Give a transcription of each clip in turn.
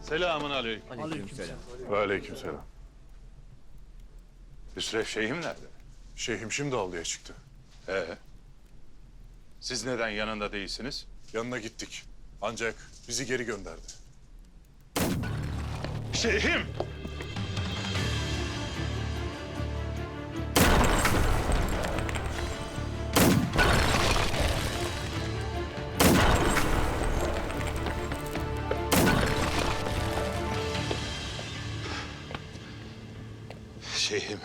Selamun aleyküm. Aleykümselam. Ve aleykümselam. Hüsrev Şeyh'im nerede? Şeyhim şimdi avluya çıktı. Siz neden yanında değilsiniz? Yanına gittik. Ancak bizi geri gönderdi. Şeyh'im! Şeyh'im.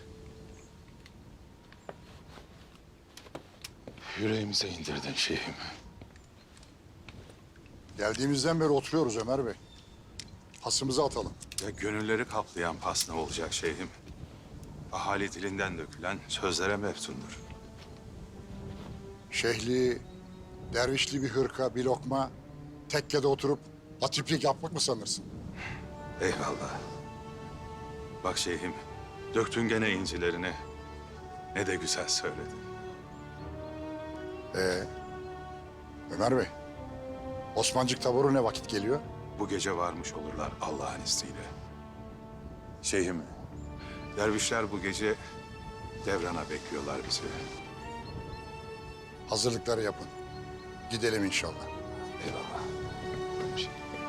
Yüreğimize indirdin şeyhim. Geldiğimizden beri oturuyoruz Ömer Bey. Hasımızı atalım. Ya gönülleri kaplayan pas ne olacak şeyhim? Ahali dilinden dökülen sözlere meftundur. Şehli, dervişli bir hırka, bir lokma, tekkede oturup hatiplik yapmak mı sanırsın? Eyvallah. Bak şeyhim, döktün gene incilerini. Ne de güzel söyledin. Ömer Bey, Osmancık taboru ne vakit geliyor? Bu gece varmış olurlar Allah'ın izniyle. Şeyhim, dervişler bu gece devrana bekliyorlar bizi. Hazırlıkları yapın. Gidelim inşallah. Eyvallah.